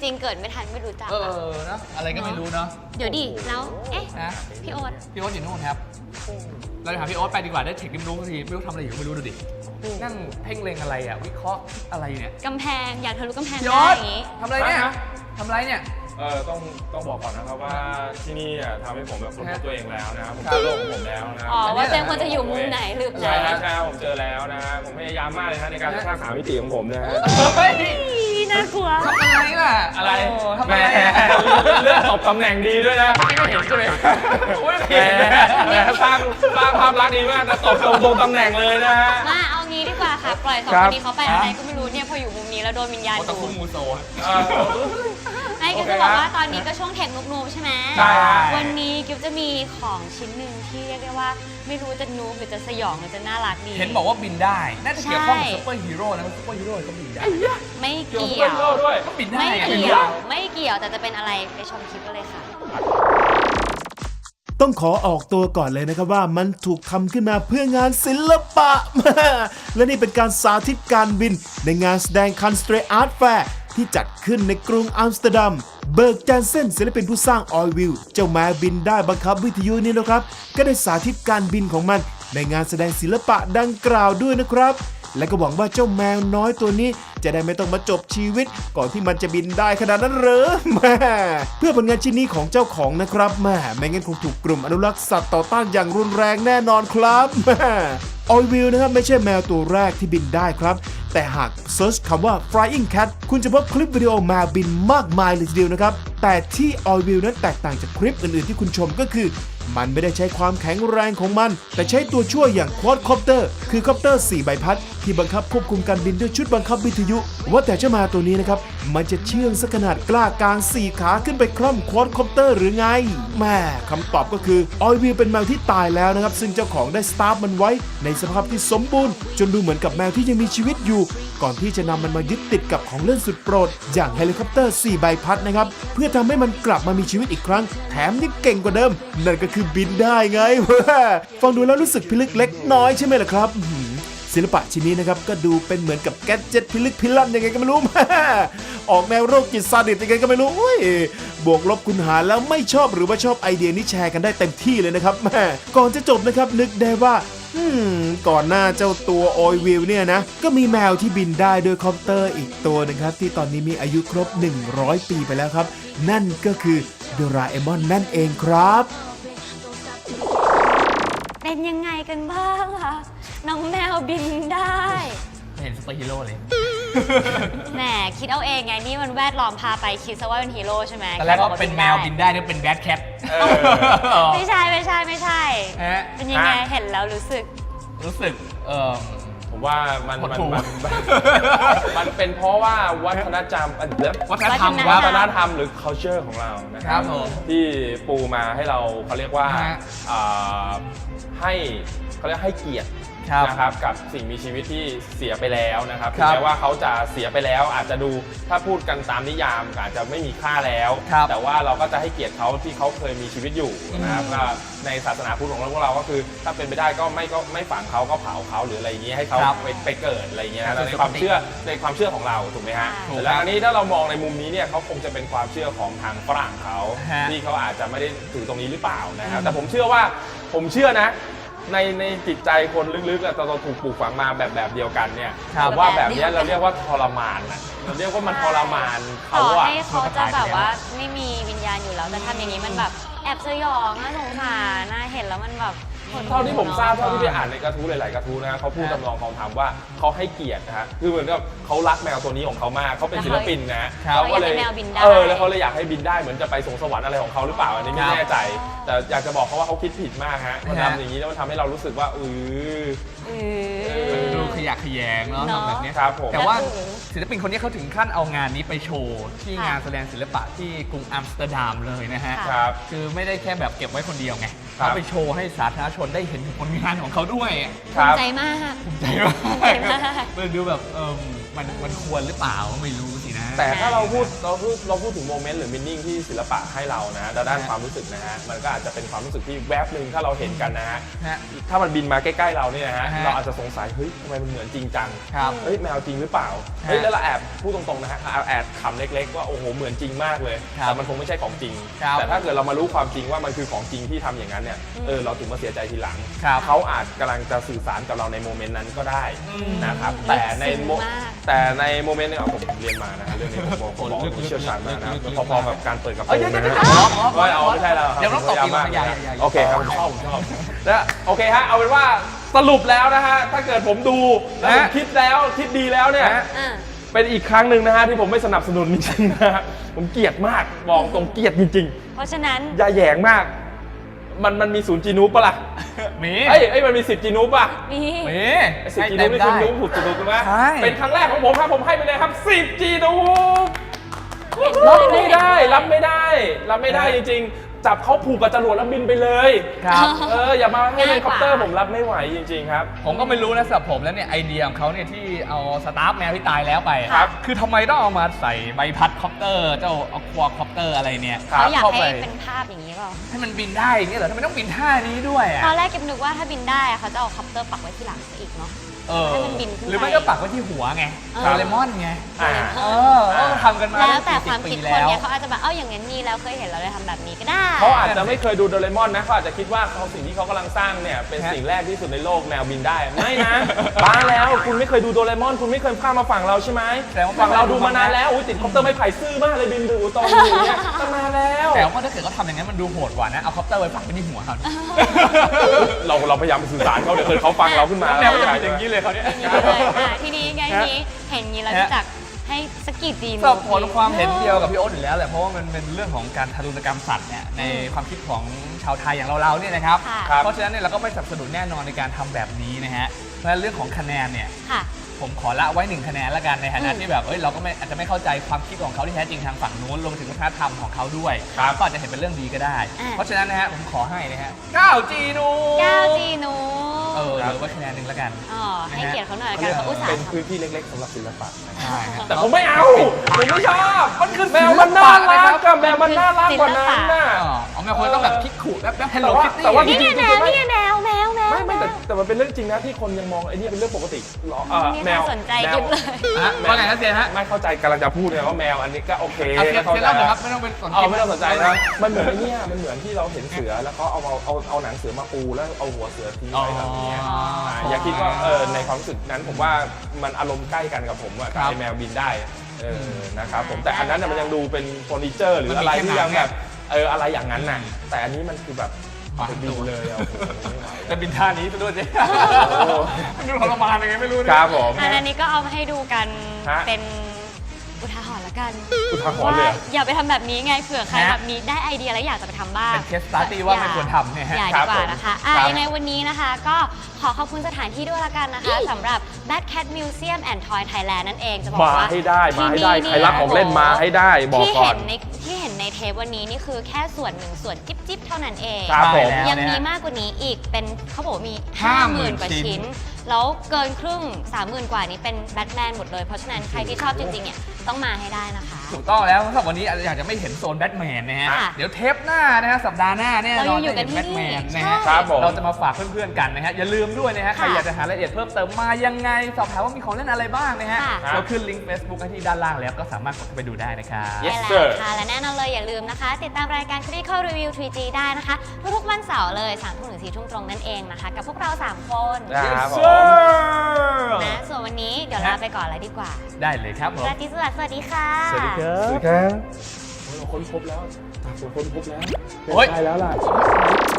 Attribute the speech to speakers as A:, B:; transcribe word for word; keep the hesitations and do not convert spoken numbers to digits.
A: ริงๆเกิดไม่ทันไม่รู้จัก
B: เออเนาะอะไรก็ไม่รู้เนาะ
A: เดี๋ยวดิแล้วเอ๊ะ
B: นะ
A: พี่โอ๊ต
B: พี่โอ๊ตอยู่นู่นครับเราจะหาพี่โอ๊ตไปดีกว่าได้เทคนิครู้สักทีไม่รู้ทำอะไรอยู่ไม่รู้ดูดินั่งเพ่งเล็งอะไรอ่ะวิเคราะห์อะไรเนี่ย
A: กำแพงอยากทะลุกำแพง
B: พี่
A: ได้
B: โอ๊ต
A: อย่างงี้
B: ทำอะไรเนี่ยทำอะไรเนี่ย
C: เออต้องต้องบอกก่อนนะครับว่าที่นี่อ่ะทำให้ผมแบบค้นพบตัวเองแล้วนะครับผม
B: ครับ
C: เจอโลกของผมแล้วนะ
A: อ๋อว่าเจมควรจะอยู่มุมไหนหรือเป
C: ใช่
A: ล่า
C: ครับใช่ครับผมเจอแล้วนะฮะผมพยายามมากเลยนะในการสร้างสามมิติของผมนะฮะ
B: เฮ้ย
A: น่ากลัว
B: ทำอะไรล่ะ
C: อะไร
B: โทำ
C: แหม
B: อะไรอะ
C: เลือกตบตำแหน่งดีด้วยนะ
B: ไม่เห็นใช่ไหมโอ้ย
C: แหมแหมสร้างสร้างภาพลักษณ์ดีมากนะตบตรงตรงตำแหน่งเลยนะฮะ
A: มาเอางี้ดีกว่าค่ะ ปล่อยสอง
C: ครั
A: ค
C: บ
A: นนี้เขาไปอะไรก็ไม่รู้เนี่ยพออยู่มุมนี้แล้วโดนวิญญาณ
B: โอตะ
A: ดู
B: คุมูโซ
C: เออ
A: ไม่กิฟ
C: โอเค
A: จะบอก
C: ฮะ
A: ว่าตอนนี้ก็ช่วงเทคนุกนูบใช่ไหม
C: ใช่ครับ
A: วันนี้กิฟจะมีของชิ้นหนึ่งที่เรียกได้ว่าไม่รู้จะนูบหรือจะสยองหรือจะน่ารักดี
B: เห็นบอกว่าบินได้ น่าจะเกี่ยวข้องกับ
A: ใช่
B: ซุปเปอร์ฮีโร่นะซุปเปอร์ฮีโร่ก็บินได้
A: ไม่
C: เกี่ยว
A: เกี่
C: กับ
A: ย
C: เพื่อน
A: ว
C: โลกด้วย
B: ก็บินได้
A: ไม่
B: ไง
A: เกี่ยว ไม่เกี่ยวแต่จะเป็นอะไรไปชมคลิปกันเลยค่ะ
D: ต้องขอออกตัวก่อนเลยนะครับว่ามันถูกทำขึ้นมาเพื่องานศิลปะ และนี่เป็นการสาธิตการบินในงานแสดงคันสเตรอาร์ตแฟร์ที่จัดขึ้นในกรุงอัมสเตอร์ดัม เบิร์กแจนเซนศิลปินผู้สร้างออยวิลเจ้าแมวบินได้บังคับวิทยุนี่นะครับ ก็ได้สาธิตการบินของมันในงานแสดงศิลปะดังกล่าวด้วยนะครับ และก็หวังว่าเจ้าแมวน้อยตัวนี้จะได้ไม่ต้องมาจบชีวิตก่อนที่มันจะบินได้ขนาดนั้นเหรอแม่เพื่อผลงานชิ้นนี้ของเจ้าของนะครับแม่ไม่งั้นคงถูกกลุ่มอนุรักษ์สัตว์ต่อต้านอย่างรุนแรงแน่นอนครับแม่ออยวิลนะครับไม่ใช่แมวตัวแรกที่บินได้ครับแต่หากเซิร์ชคำว่า flying cat คุณจะพบคลิปวิดีโอแมวบินมากมายเลยทีเดียวนะครับแต่ที่ออยวิลนั้นแตกต่างจากคลิปอื่นๆที่คุณชมก็คือมันไม่ได้ใช้ความแข็งแรงของมันแต่ใช้ตัวช่วยอย่างควอดคอปเตอร์คือคอปเตอร์สี่ใบพัดที่บังคับควบคุมการบินด้วยชุดบังคับวิทยุว่าแต่เจ้าแมวตัวนี้นะครับมันจะเชื่องสักขนาดกล้ากางสี่ขาขึ้นไปคล่อมควอดคอปเตอร์หรือไงแม่คำตอบก็คือออยวิลเป็นแมวที่ตายแล้วนะครับซึ่งเจ้าของได้สตาร์ฟมันไว้ในสภาพที่สมบูรณ์จนดูเหมือนกับแมวที่ยังมีชีวิตอยู่ก่อนที่จะนำมันมายึดติดกับของเล่นสุดโปรดอย่างเฮลิคอปเตอร์สี่ใบพัดนะครับเพื่อทำให้มันกลับมามีชีวิตอีกครั้งแถมยังเก่งกว่าเดิมนั่นก็คือบินได้ไง ฟังดูแล้วรู้สึกพิลึกเล็กน้อยใช่ไหมล่ะครับศิลปะชิ้นนี้นะครับก็ดูเป็นเหมือนกับแกดเจ็ตพิลึกพิลั่นยังไงก็ไม่รู้ ออกแนวโรคจิตซาดิสยังไงก็ไม่รู้อุ้ยบวกลบคูณหารแล้วไม่ชอบหรือว่าชอบไอเดียนี้แชร์กันได้เต็มที่เลยนะครับแม่ก่อนจะจบนะครับนึกได้ว่าอืมก่อนหน้าเจ้าตัวออยวิลเนี่ยนะก็มีแมวที่บินได้โดยคอปเตอร์อีกตัวนึงครับที่ตอนนี้มีอายุครบหนึ่งร้อยปีไปแล้วครับนั่นก็คือโดราเอมอนนั่นเองครับ
A: เป็นยังไงกันบ้างคะน้องแมวบินได้
B: ไม่เห็นซุปเปอร์ฮีโร่เลย
A: แหมคิดเอาเองไงนี่มันแวดล้อมพาไปคิดซะว่าเป็นฮีโร่ใช่ไหม
B: ตอนแรกก็เป็นแมวบินได้นี่เป็นแบทแคท
A: ไม่ใช่ไม่ใช่ไม่ใช่
B: ฮะ
A: เป็นยังไงเห็นแล้วรู้สึก
B: รู้สึกเออ
C: ผมว่ามัน
B: หด
C: มัน
B: หู่
C: มันมันมันเป็นเพราะว่าวัฒนธรรมอันเด
B: วัฒนธรรม
A: วั
C: วั
A: ฒ
C: ฒ
A: น
C: น
A: ธ
C: ธ
A: ร
C: ร
A: ร
C: ร
A: ม
C: มหรือ culture ของเรานะค
B: ครั
C: รั
B: บบ ผม
C: ที่ปูมาให้เราเขาเรียกว่า
B: ฮะ
C: อ่าให้เขาเรียกให้เกียรติ
B: ครับ
C: นะครับกับสิ่งมีชีวิตที่เสียไปแล้วนะครับ
B: ค
C: ถึ
B: รั
C: ง
B: บ
C: แม้ว่าเขาจะเสียไปแล้วอาจจะดูถ้าพูดกันตามนิยามอาจจะไม่มีค่าแล้ว
B: ครับ
C: แต่ว่าเราก็จะให้เกียรติเขาที่เขาเคยมีชีวิตอยู่นะครับก็ในศาสนาพุทธของพวกเราก็คือถ้าเป็นไปได้ก็ไม่ก็ไม่ฝังเขาก็เผาเขาหรืออะไรอย่างนี้ให้เขา
B: ครับ
C: ไปไปเกิดอะไรอย่างเงี้ย
B: ครับ
C: ในความเชื่อในความเชื่อของเราถูกไหมฮะ
A: ถูก
C: แต่แล้วอันนี้ถ้าเรามองในมุมนี้เนี่ยเขาคงจะเป็นความเชื่อของทางฝรั่งเขา
B: ฮะ
C: ที่เขาอาจจะไม่ได้ถือตรงนี้หรือเปล่านะครับแต่ผมเชื่อว่าผมเชื่อนะในในจิตใจคนลึกๆอะตอนเราถูกปลูกฝังมาแบบแบบเดียวกันเนี่ย
B: ครับ
C: ผมว่าแบบเนี้ยเราเรียกว่าทรมานนะเราเรียกว่ามันทรมาน
A: ต่
C: เขา
A: อ
C: อะ
A: ให้เขาจะแบบว่าไม่มีวิญญาณอยู่แล้วแต่ทำอย่างนี้มันแบบแอบสยองน่าสงสารน่าเห็นแล้วมันแบบหดหู่
C: เท่าที่ผมทราบ
A: นะ
C: เท่าที่ไปอ่านในกระทู้หลายๆกระทู้นะฮะเขาพูด
B: ฮะ
C: ตำนองคองธรรมว่าเขาให้เกียรตินะฮะคือเหมือนกับเขารักแมวตัวนี้ของเขามากเขาเป็นศิลปินนะฮะ
B: ครับ
C: เขาก็เลย
A: เขาอยากให้แมวบินได้
C: เออแล้วเขาเลยอยากให้บินได้เหมือนจะไปสวงสวรรค์อะไรของเขาหรือเปล่าอันนี้ไม่
B: ครับ
C: แน่ใจ แต่อยากจะบอกเขาว่าเขาคิดผิดมากฮะมัน
B: ฮะ
C: ทำอย่างนี้แล้วมันทำให้เรารู้สึกว่าอือ
A: เอ
B: มัน
A: อ
B: ดูขยะแขยงเนาะ
A: เนอะ
B: ทำแบบเนี้ย
C: ครับผม
B: แต่ว่า
A: แล้วคือ
B: ศิลปินคนนี้เขาถึงขั้นเอางานนี้ไปโชว์ที่
A: ค่ะ
B: งานแสดงศิลปะที่กรุงอัมสเตอร์ดัมเลยนะฮะ
A: ค่ะ
C: ครับ
B: คือไม่ได้แค่แบบเก็บไว้คนเดียวไง
C: ครับ
B: เขาไปโชว์ให้สาธารณชนได้เห็นถึงผลงานของเขาด้วย
C: ครั
A: ภู
C: บ
A: มิใจมาก
B: ภูมิใจมาก
A: ภูมิใจมาก
B: มันดูแบบเออมันมันควรหรือเปล่าไม่รู้สินะ
C: แต่ถ้าเราพูดเราพูดเราพูดถึงโมเมนต์หรือมินนิ่งที่ศิลปะให้เรานะด้านความรู้สึกนะฮะมันก็อาจจะเป็นความรู้สึกที่แวบหนึ่งถ้าเราเห็นกันนะฮะ
B: ฮะ
C: ถ้ามันบินมาใกล้ๆเราเนี่ยนะฮะ
B: ฮะ
C: เราอาจจะสงสัยเฮ้ยทำไมมันเหมือนจริงจัง
B: ครับ
C: เฮ้ยแมวจริงหรือเปล่า
B: ฮะ
C: เฮ้ยแล้วเราแอบพูดตรงๆนะฮะแอบขำเล็กๆว่าโอ้โหเหมือนจริงมากเลย
B: ครับ
C: แต่มันคงไม่ใช่ของจริง
B: ครับ
C: แต่ถ้าเกิดเรามารู้ความจริงว่ามันคือของจริงที่ทำอย่างนั้นเนี่ยเออเราถึงมาเสียใจทีหลัง
B: ครับ
C: เขาอาจกำลังจะสื่อสารกับเราในโมเมนต์นั้นก็ได้
B: อืม
C: นะครับ
A: ลึก
C: แต่ใน
A: ซึ้ง
C: โม
A: มาก
C: แต่ในโมเมนต์เนี่ยผมเรียนมานะฮะเรื่องนี้ผมบอกผมบอกผมเชี่ยวชาญมากนะพอๆกับการเปิดกระโปร
B: เอ้ย
C: ง
B: เดี๋ยว
C: นะ
B: เดี๋ยว
C: ฮะ
B: เดี๋ยว
C: ไม่เอาไม่ใช่แล้วครับ
B: เดี๋ยวต้องตบอีก
C: มาก
B: อย่าอย่าอย่า
C: โอเคครับผมชอบผมชอบแล้วโอเคฮะเอาเป็นว่าสรุปแล้วนะฮะถ้าเกิดผมดูแล้วผมคิดแล้วคิดดีแล้วเนี่ย
A: อ่ะ
C: เป็นอีกครั้งหนึ่งนะฮะที่ผมไม่สนับสนุนจริงๆนะฮะผมเกลียดมากบอกตรงเกลียดจริง
A: เพราะฉะนั้น
C: ๆอย่าแหยงมาก มันมันมีศูนย์จีนูปปะล่ะ
B: มี
C: เอ้ยเอ้ยมันมีสิบจีนูปป่ะ
A: นี่
B: มี
C: สิบจีนูปนี่คุณรู้ถูกถูกถูกไหม
B: ใช่
C: เป็นครั้งแรกของผมครับผมให้ไปเลยครับสิบจีนูป
A: เห็น
C: รับ
A: ด้วย
C: ไม่ได้ รับไม่ได้ รับไม่ได้จริงๆ จับเขาผูกกับจรวดแล้วบินไปเลย
B: ครับ
C: เอออย่ามาให้เฮลิคอปเตอร์ผมรับไม่ไหวจริงๆครับ
B: ผมก็ไม่รู้นะสำหรับผมแล้วเนี่ยไอเดียของเขาเนี่ยที่เอาสตาฟแมวที่ตายแล้วไปอะ
C: ครับ
B: คือทำไมต้องเอามาใส่ใบพัดคอปเตอร์เจ้าอควาคอปเตอร์อะไรเนี่ย
C: ครับ
A: เขาอยาก
B: เข้า
A: ให้
B: ไป
A: เป็นภาพอย่างนี้เปล่า
B: ให้มันบินได้อย่างเงี้ยเหรอทำไมต้องบินท่านี้ด้วยอ่ะ
A: ตอนแรกเก็บนึกว่าถ้าบินได้อะเขาจะเอาคอปเตอร์ปักไว้ที่หลังซะอีกเนาะ
B: เออ
A: ให้มันบินขึ้นไป
B: หรือไม่ก็ปักไว้ที่หัวไง
A: เออ
B: โดเรมอนไง
C: อ่า
B: เออก็ทำกันมา
A: แล้วแต่ความ
B: ปี
A: คิดคน
B: แล้ว
A: เนี่ยเขาอาจจะแบบเอ้าอย่างนั้นมีแล้วเคยเห็นเราเลยทำแบบนี้ก็ได้
C: เขาอาจจะไม่เคยดูโดเรมอนนะเขาอาจจะคิดว่าเขาสิ่งที่เขากำลังสร้างเนี่ยเป็นสิ่งแรกที่สุดในโลกแมวบินได้ ไม่นะ บ้าแล้วคุณไม่เคยดูโดเรมอน คุณไม่เคยข้ามมาฝั่งเราใช่ไหม
B: แต่ว่า
C: ฝั่งเราดูมานานแล้วอุ้ยติดคอปเตอร์ไม้ไผ่ซื่อมากเลยบินดูตรงอยู่อย่างเงี้ยตั้งนานแล้ว
B: แต่ว่าถ้าเกิดเขาทำอย่างนั้นมันดูโหดกว่านะเอาคอปเตอร์ไว้ปักไว้ที่หัวเขา
C: เราเราพยายามสื่อสารเขาเดี๋ยวเกิดเขาฟังเราขึ้นมา
B: แมวก็จะเป็นอย่างนี้เลยเขาเนี่ย
A: อย่างนี้เลยอ่ะทีนี้ไงทีนี้เห็นอย่างนี้เราจะจักให้สกกีจีน
B: สำหรับผลความเห็นเดียวกับพี่โอ๊ตอยู่แล้วแหละเพราะว่ามันเป็นเรื่องของการทารุณกรรมสัตว์เนี่ยในความคิดของชาวไทยอย่างเราๆเนี่ยนะครับ
A: ค่ะ
C: ครับ
B: เพราะฉะนั้นเนี่ยเราก็ไม่สนับสนุนแน่นอนในการทำแบบนี้นะฮะเพราะฉะนั้นเรื่องของคะแนนเนี่ย
A: ค่ะ
B: ผมขอละไว้หนึ่งคะแนนละกันในฐานะ
A: อืม
B: ที่แบบเอ้ยเราก็ไม่อาจจะไม่เข้าใจความคิดของเขาที่แท้จริงทางฝั่งนู้นรวมถึงวัฒนธรรมของเขาด้วย
C: ครับ
B: ก็อาจจะเห็นเป็นเรื่องดีก็ได้
A: อ่า
B: เพราะฉะนั้นนะฮะผมขอให้นะฮะเก้าจีนู
A: เก้าจีนู
B: เออเหลือไว้คะแนนหนึ่งละกัน
A: อ๋อให้เกียรติเขาหน่อยละ
C: เขา
A: กัน
C: เรียก
A: เขาอุตส่า
C: เป็น
A: ห์ท
C: พื้นที่เล็กๆสำหรับศิลปะ
B: ใช่ฮะ
C: แต่ผมไม่เอา ผมไม่ชอบ
B: มันคือ
C: แมวมันน่ารักกับแมวมันน่ารักกว่านั้นน่ะ
B: อ๋อเอาแมวคนต้องแบบคิกขู่แบบแบบเฮลโล
C: แต่ว่า
B: คิตตี้
C: แต่ว่า
A: ำนี่ไงแมวนี่ไงแมวแมวแมว
C: ไม่ไม่แต่แต่มันเป็นเรื่องจริงนะที่คนยังมองไอ้นี่เป็นเรื่องปกติหรอเอ่อ
A: นี่
C: แมว
A: น่าสนใจ
C: แม
A: กิ
C: ว
A: บเลย
B: ฮะว่าไงนะเซียนฮะ
C: ไม่เข้าใจกำลังจะพูดเลยว่าแมวอันนี้ก็โอเค
B: เอาเซียน
C: เข้า
B: เซียน
C: ใจ
B: เล่าหน่อยครับไม่ต้องเป็นสน
C: เอา
B: ใจ
C: ไม่ต้องสนใจนะมันเหมือนไอ้เนี่ยมันเหมือนที่เราเห็นเสือแล้วก็เอาเอาเอาเอาหนังเสือมาปูแล้วเอาหัวเสือทิ้งไว้แบบนี้
B: อ๋ออ่
C: าอย่าคิดว่าเออในความรู้สึกนั้นผมว่ามันอารมณ์ใกล้กันกับผมอะ
B: ครับ
C: ไอแมวบินได้เออนะครับผมแต่อันนั้นน่ะมันยังดูเป็นเฟอร์นิเจอร์หรืออะไรที่ยังแบบเอออะไรอย่างนั้นน่ะแต่อันนี้มันคือแบบไปบินเลยอ่ะโอ้โหไม่ไหว
B: แต่บินท่านี้ซะด้วยสิ
C: โอ้
B: มันดูทรมานยังไงไม่รู้
C: ค
B: นะ
C: รับผม
A: อันนี้ก็เอามาให้ดูกัน
C: ฮะ
A: เป็นอุทาหรณ์ละกัน
C: อุทาหรณ์
A: ว่า
C: เลยเหรอ
A: อย่าไปทำแบบนี้ไงเผื่อใคร
B: ฮะ
A: แบบมีได้ไอเดียแล้วอยากจะไปทำบ้าง
B: เป็นเคสสตาร์ตี้ว่าไม่ควรทำเนี่ยฮะ
A: อย่า
C: ครั
A: ดี
C: บ
A: กว่า
C: ผม
A: นะคะอ่ะ
C: ครับ
A: ยังไงวันนี้นะคะ ก็ขอขอบคุณสถานที่ด้วยละกันนะคะสำหรับ Bad Cat Museum and Toy Thailand นั่นเองจะบอก
C: มา
A: ว่า
C: ให้ได้มาให้ได้
A: ที่นี่
C: ใครรักของเล่นมาให้ได้บอก
A: ที่
C: ก่อ
A: เห็
C: น
A: นในที่เห็นในเทปวันนี้นี่คือแค่ส่วนหนึ่งส่วนจิ๊บจิ๊บเท่านั้นเอง
C: ครับผม
B: ใช่แล้ว
A: ยังมี
B: นะฮะ
A: มากกว่านี้อีกเป็นเขาบอกว่ามี
B: ห้า
A: ห้า
B: ห
A: ห
B: มื่
A: มื่
B: น
A: นกว่า
B: ชิ้น
A: ชิ้น แล้วเกินครึ่ง สามหมื่น กว่านี้เป็นแบทแมนหมดเลย เพราะฉะนั้นใครที่ชอบจริงๆเนี่ยต้องมาให้ได้นะคะ
B: ถูกต้องแล้วสำหรับวันนี้อยากจะไม่เห็นโซนแบทแมนนะฮะ
A: ค่ะ
B: เดี๋ยวเทปหน้านะฮะสัปดาห์หน้าเนี่ย
A: เรายังอยู่กัน
B: จะเห็
A: ที่
B: แบทแม
A: นี่
B: นนะ
A: ใช่
B: ฮะ
C: ครับผม
B: เราจะมาฝากเพื่อนๆกันนะฮะอย่าลืมด้วยนะฮะใคร
A: ค่ะ
B: อยากจะหารายละเอียดเพิ่มเติมมายังไงสอบถามว่ามีของเล่นอะไรบ้างนะฮะ
A: ค่ะ
B: เราขึ้นลิงก์ Facebook ให้ที่ด้านล่างแล้วก็สามารถกดเข้าไปดูได้นะครับ
C: Yes
A: ใช่
C: sir
A: แล้วค่ะ และแน่นอนเลยอย่าลืมนะคะ ติดตามรายการ Critical Review ทรี จี ได้นะคะ ทุกๆวันเสาร์เลยสามทุ่มถึงสี่ทุ่มตรงนั่นเองนะคะ กับพวกเราสามคน
C: ครับผม
A: นะส่วนวันนี้เดี๋ยวลาไปก่อนเลยดีกว่า
B: ได้เลยครับผม
A: ราตรีสวัสดิ์สวัสดีค่ะ
B: สวัสดีครั
C: สวัส
B: บ
C: ดีครับเราค้นพบแล้วเราค้นพบแล้ว
B: โอ๊ย
C: ได้แล้วล่ะ